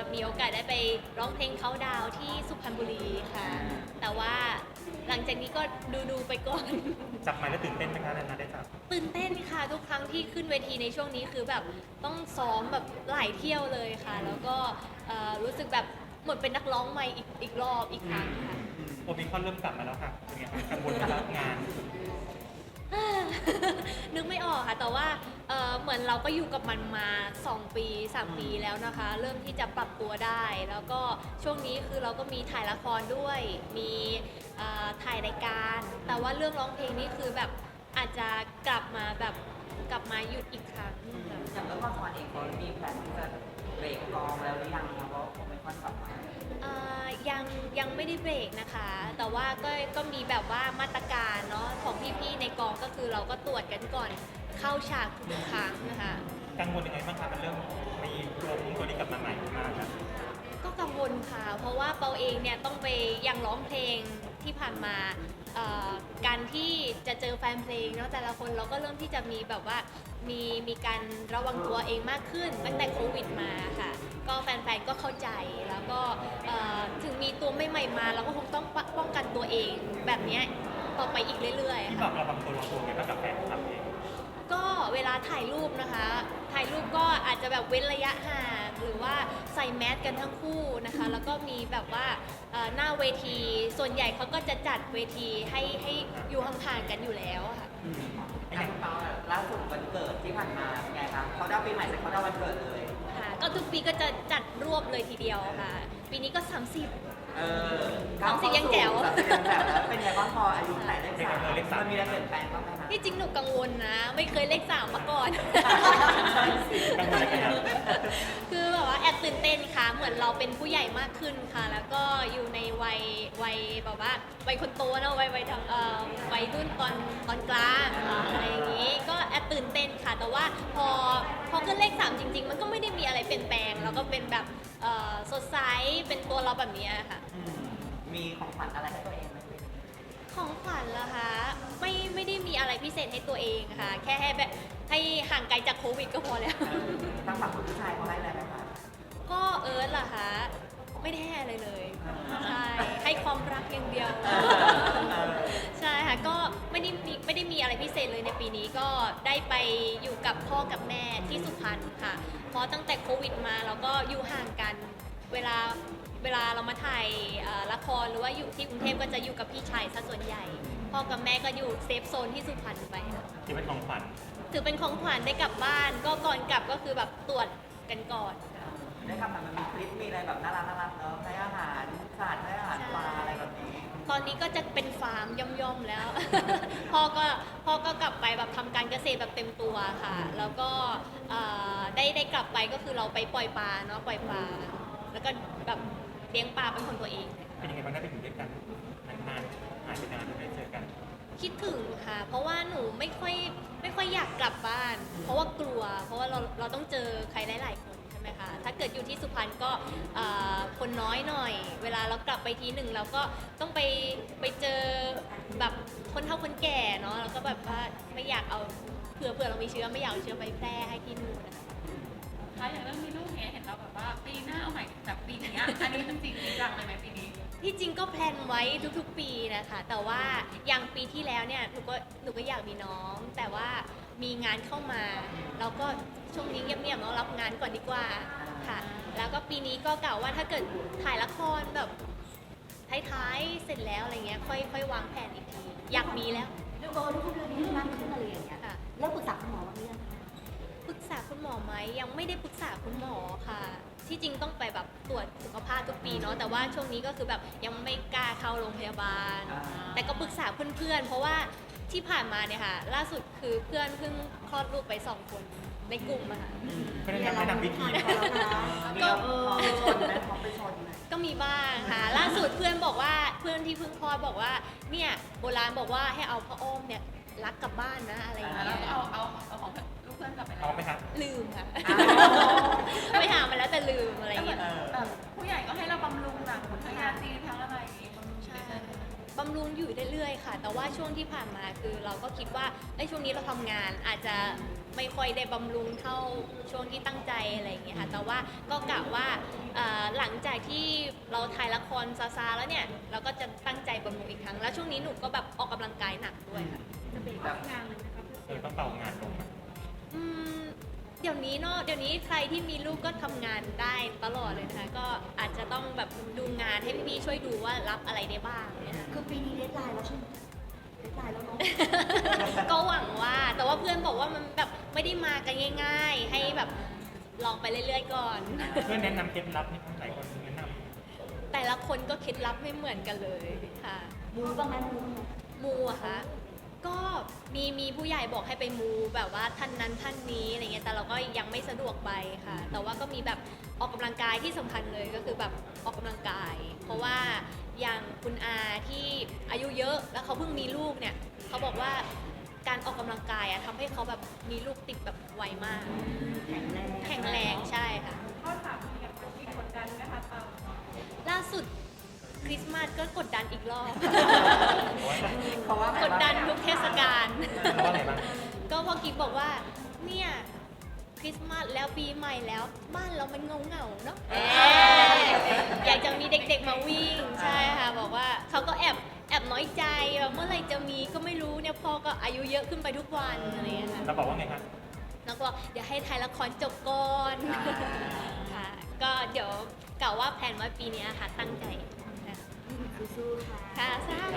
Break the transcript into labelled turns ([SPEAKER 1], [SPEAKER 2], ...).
[SPEAKER 1] มีโอกาสได้ไปร้องเพลงเขาดาวน์ที่สุพรรณบุรีค่ะแต่ว่าหลังจากนี้ก็ดูไปก่อน
[SPEAKER 2] จับไมค์แล้วตื่นเต้นไหมคะนานๆได้จับ
[SPEAKER 1] ตื่นเต้นค่ะทุกครั้งที่ขึ้นเวทีในช่วงนี้คือแบบต้องซ้อมแบบหลายเที่ยวเลยค่ะแล้วก็รู้สึกแบบหมดเป็นนักร้องใหม่อีกรอบอีกครั้งค่ะ
[SPEAKER 2] โอมิคอนเริ่มกลับมาแล้วค่ะเป็นไงคะกังวลไหมครับงาน
[SPEAKER 1] นึกไม่ออกค่ะแต่ว่าเหมือนเราก็อยู่กับมันมา2 ปี 3 ปีแล้วนะคะเริ่มที่จะปรับตัวได้ แล้วก็ช่วงนี้คือเราก็มีถ่ายละครด้วยมีถ่ายรายการ แต่ว่าเรื่องร้องเพลงนี่คือแบบอาจจะกลับมาหยุดอีกครั้งค่ะ
[SPEAKER 3] อย่างเรื่องละครเองเขามีแผนที่จะเบรกกองแล้วหรือยังคะเพราะโอมิคอนกลับมา
[SPEAKER 1] ยังไม่ได้เบรกนะคะ แต่ว่าก็มีแบบว่ามาตรการเนาะของพี่ๆในกองก็คือเราก็ตรวจกันก่อนเข้าฉากทุกครั้งนะคะ
[SPEAKER 2] กังวลยังไงบ้างคะมันเริ่มมีตัวนี้กลับมาใหม่มากครับ
[SPEAKER 1] ก็กังวลค่ะ เพราะว่าเปาเองเนี่ยต้องไปยังร้องเพลงที่ผ่านมาการที่จะเจอแฟนเพลงเนาะแต่ละคนเราก็เริ่มที่จะมีแบบว่ามีการระวังตัวเองมากขึ้นตั้งแต่โควิดมาค่ะก็แฟนๆก็เข้าใจแล้วก็ถึงมีตัวใหม่ๆมาเราก็คงต้องป้องกันตัวเองแบบเนี้ยต่อไปอีกเรื่อยๆ
[SPEAKER 2] ที่บอ
[SPEAKER 1] ค่ะ
[SPEAKER 2] กเราบางตัวไงบ้างกับแฟนคลับเอง
[SPEAKER 1] ก็เวลาถ่ายรูปนะคะ ถ่ายรูปก็อาจจะแบบเว้นระยะห่างหรือว่าใส่แมสกันทั้งคู่นะคะ แล้วก็มีแบบว่าหน้าเวที ส่วนใหญ่เขาก็จะจัดเวทีให้อยู่ห่างๆกันอยู่แล้วอะค่ะ
[SPEAKER 3] อย่างคุณเปาอะล่าสุดวันเกิดที่ผ่านมาเป็นไงคะเขาดาวน์ปีใหม่เสร็จเขาดาวน์วันเกิดเลย
[SPEAKER 1] ค่ะ ก็ทุกปีก็จะจัดรวบเลยทีเดียวค่ะ ปีนี้ก็ 30 30ยังแจ๋ว
[SPEAKER 3] 30ยังแจ๋วแล้วเป็นไงบ้างพออายุไหนเลขสาม
[SPEAKER 2] เลขสาม
[SPEAKER 3] มันมีอะไรเปลี่ยนแปลงบ้างไหมคะ
[SPEAKER 1] ที่จริงหนูกังวลนะ ไม่เคยเลข 3 มาก่อน
[SPEAKER 2] กังวลอะไรกันครับ
[SPEAKER 1] คือแบบว่าแอบตื่นเต้นค่ะ เหมือนเราเป็นผู้ใหญ่มากขึ้นค่ะ แล้วก็อยู่ในวัยแบบว่าวัยคนโตนะวัยรุ่นตอนกลางอะไรอย่างนี้ ก็แอบตื่นเต้นค่ะ แต่ว่าพอขึ้นเลข 3 จริง ๆ มันก็ไม่ได้มีอะไรเปลี่ยนแปลง แล้วก็เป็นแบบสดใส เป็นตัวเราแบบนี้ค่ะ
[SPEAKER 3] มีของขวัญอะไรให้ตัวเองไหม
[SPEAKER 1] ของขวัญเหรอคะไม่ได้มีอะไรพิเศษให้ตัวเองค่ะ แค่ให้แบบให้ห่างไกลจากโควิดก็พอแล้ว
[SPEAKER 3] ทางฝั่งคุณผู้ชายเขาให้อะไรไหมคะ
[SPEAKER 1] ก็เอิร์ธเหรอคะไม่ได้ให้อะไรเลยใช่ให้ความรักอย่างเดียว ใช่ค่ะก็ไม่ได้มีอะไรพิเศษเลยในปีนี้ก็ได้ไปอยู่กับพ่อกับแม่ที่สุพรรณค่ะเพราะตั้งแต่โควิดมาเราก็อยู่ห่างกันเวลาเรามาถ่ายละครหรือว่าอยู่ที่กรุงเทพก็จะอยู่กับพี่ชายซะส่วนใหญ่ พ่อกับแม่ก็อยู่เซฟโซนที่สุพรรณไปค่ะ
[SPEAKER 2] ที่เป็นของขวัญ
[SPEAKER 1] ถือเป็นของขวัญได้กลับบ้านก็ก่อนกลับก็คือแบบตรวจกันก่อนค่ะ
[SPEAKER 3] ได้ทำแบบมันมีคลิปมีอะไรแบบน่ารักเนอะให้อาหารสัตว์ให้อาหารปลาอะไรแบบนี้
[SPEAKER 1] ตอนนี้ก็จะเป็นฟาร์มย่อมๆแล้ว พ่อก็กลับไปแบบทำการเกษตรแบบเต็มตัวค่ะ แล้วก็ได้กลับไปก็คือเราไปปล่อยปลาเนาะปล่อยปลาแล้วก็แบบเลี้ยงปลาเป็นของตัวเอง
[SPEAKER 2] เป็นยังไงบ้างได้ไปอยู่ด้วยกันนานๆหายไปนานไม่ได้เจอกัน
[SPEAKER 1] คิดถึงค่ะ เพราะว่าหนูไม่ค่อยอยากกลับบ้าน เพราะว่ากลัว เพราะว่าเราต้องเจอใครหลายๆคนใช่ไหมคะ ถ้าเกิดอยู่ที่สุพรรณก็คนน้อยหน่อย เวลาเรากลับไปทีหนึ่งเราก็ต้องไปเจอแบบคนเฒ่าคนแก่เนาะแล้วก็แบบว่าไม่อยากเอาเผื่อเรามีเชื้อไม่อยากเอาเชื้อไปแพร่ให้ที่นู่นนะคะ
[SPEAKER 4] คะอย่างเรื่องมีลูกเนี้ยเห็นเราแบบว่าปีหน้าเอาใหม่แบบปีนี้อันนี้จริงๆจังเลยไหมปีนี้
[SPEAKER 1] ที่จริงก็แพลนไว้ทุกๆปีนะคะ แต่ว่าอย่างปีที่แล้วเนี่ยหนูก็อยากมีน้อง แต่ว่ามีงานเข้ามาเราก็ช่วงนี้เงียบๆเนาะรับงานก่อนดีกว่าค่ะ แล้วก็ปีนี้ก็กล่าวว่าถ้าเกิดถ่ายละครแบบท้ายๆเสร็จแล้วอะไรเงี้ยค่อยวางแผนอีกทีอยากมีแล้ว
[SPEAKER 5] เรื่องทุกเดือนนี้มากขึ้นอะไรอย่างเงี้ย
[SPEAKER 1] ค่ะ
[SPEAKER 5] แล้วปรึกษาคุณหมอบ้างหรือยังคะ
[SPEAKER 1] ปรึกษาคุณหมอไหมยังไม่ได้ปรึกษาคุณหมอค่ะ ที่จริงต้องไปแบบตรวจสุขภาพทุกปีเนาะแต่ว่าช่วงนี้ก็คือแบบยังไม่กล้าเข้าโรงพยาบาล แต่ก็ปรึกษาเพื่อนๆเพราะว่าที่ผ่านมาเนี่ยค่ะ ล่าสุดคือเพื่อนเพิ่งคลอดลูกไป2 คนในกลุ่มอะค่ะ
[SPEAKER 2] ก็ได้แนะนำวิธี
[SPEAKER 3] ก็ไปชนไหมเขาไปชนไหม
[SPEAKER 1] ก็มีบ้างค่ะ ล่าสุดเพื่อนบอกว่าเพื่อนที่เพิ่งคลอดบอกว่าเนี่ยโบราณบอกว่าให้เอาพ่ออ้อมเนี่ยรักกลับบ้านนะอะไรอย่าง
[SPEAKER 4] แล้ว
[SPEAKER 1] เงี้ย
[SPEAKER 4] ก็เอาของลูกเพื่อนกลับไปแล้ว
[SPEAKER 2] เอาไหมคะ
[SPEAKER 1] ลืมค่ะ
[SPEAKER 3] อ้าว
[SPEAKER 1] ไปหามาแล้วแต่ลืมอะไรอ
[SPEAKER 4] แต่
[SPEAKER 1] ย่าง
[SPEAKER 4] เหมื
[SPEAKER 1] เงี้
[SPEAKER 4] อน
[SPEAKER 1] ย
[SPEAKER 4] แบบผู้ใหญ่ก็ให้เราบำรุงหนังทั้งยาจีนทั้งอะไรอย่างงี้บำรุง
[SPEAKER 1] ใช่บำรุงอยู่เรื่อยๆค่ะ แต่ว่าช่วงที่ผ่านมาคือเราก็คิดว่าไอ้ยช่วงนี้เราทำงานอาจจะไไม่ค่อยได้บำรุงเท่าช่วงที่ตั้งใจอะไรอย่างเงี้ยค่ะแต่ว่าก็กะว่าหลังจากที่เราถ่ายละครซาๆแล้วเนี่ยเราก็จะตั้งใจบำรุงอีกครั้งแล้วช่วงนี้หนูก็แบบออกกำลังกายหนักด้วยค่ะ
[SPEAKER 5] จะเบรกรับงานเลยนะคะ
[SPEAKER 2] ต้องเป่างานลงอะ
[SPEAKER 1] อืมเดี๋ยวนี้เนาะเดี๋ยวนี้ใครที่มีลูกก็ทำงานได้ตลอดเลยนะคะก็อาจจะต้องแบบดูงานให้พี่ๆช่วยดูว่ารับอะไรได้บ้างเนี่ยค่ะ
[SPEAKER 5] คือปีนี้เดทไลน์แล้วใช่ไหมเดทไลน์แล้วเนาะ
[SPEAKER 1] ก็หวังว่าแต่ว่าเพื่อนบอกว่ามันแบบไม่ได้มากันง่าย ๆ ให้แบบลองไปเรื่อยๆก่อน
[SPEAKER 2] เพื่อนแนะนำเคล็ดลับนี่หลายคนแนะน
[SPEAKER 1] แต่ละคนก็เคล็ดลับไม่เหมือนกันเลยค่ะ
[SPEAKER 5] มูบ้างไหมมูบ้างไหม
[SPEAKER 1] มูอะคะก็มีผู้ใหญ่บอกให้ไปมูแบบว่าท่านนั้นท่านนี้อะไรเงี้ยแต่เราก็ยังไม่สะดวกไปค่ะ แต่ว่าก็มีแบบออกกำลังกายที่สำคัญเลยก็คือแบบออกกำลังกาย เพราะว่าอย่างคุณอาที่อายุเยอะแล้วเขาเพิ่งมีลูกเนี่ยเขาบอกว่าการออกกำลังกายอะทำให้เขาแบบมีลูกติดแบบไวมาก
[SPEAKER 5] แข็งแรง
[SPEAKER 1] แข็งแรงใช่ค่ะ
[SPEAKER 4] ข้อถามมีกับคนที่กดดันไหมคะเปา
[SPEAKER 1] ล่าสุดคริสต์มาสก็กดดันอีกรอบ
[SPEAKER 3] เพราะว่าไง
[SPEAKER 1] กดดันทุกเทศกาล
[SPEAKER 2] ำเพราะอะไรบ้าง
[SPEAKER 1] ก็พ่อกิ๊กบอกว่าเนี่ยคริสต์มาสแล้วปีใหม่แล้วบ้านเรามันเงาๆเนาะอยากจะมีเด็กๆมาวิ่งใช่ค่ะบอกว่าเขาก็แอบน้อยใจแบบเมื่อไหร่จะมีก็ไม่รู้เนี่ยพ่อก็อายุเยอะขึ้นไปทุกวันอะไรอย่างเงี้ยค่ะ
[SPEAKER 2] เราบอกว่าไงครับ
[SPEAKER 1] แล้วก็เดี๋ยวให้ถ่ายละครจบก่อนค่ะก็เดี๋ยวกล่าวว่าแผนไว้ปีเนี้ยค่ะตั้งใจค่ะ
[SPEAKER 5] สู้ๆค่ะ
[SPEAKER 1] ค่ะสา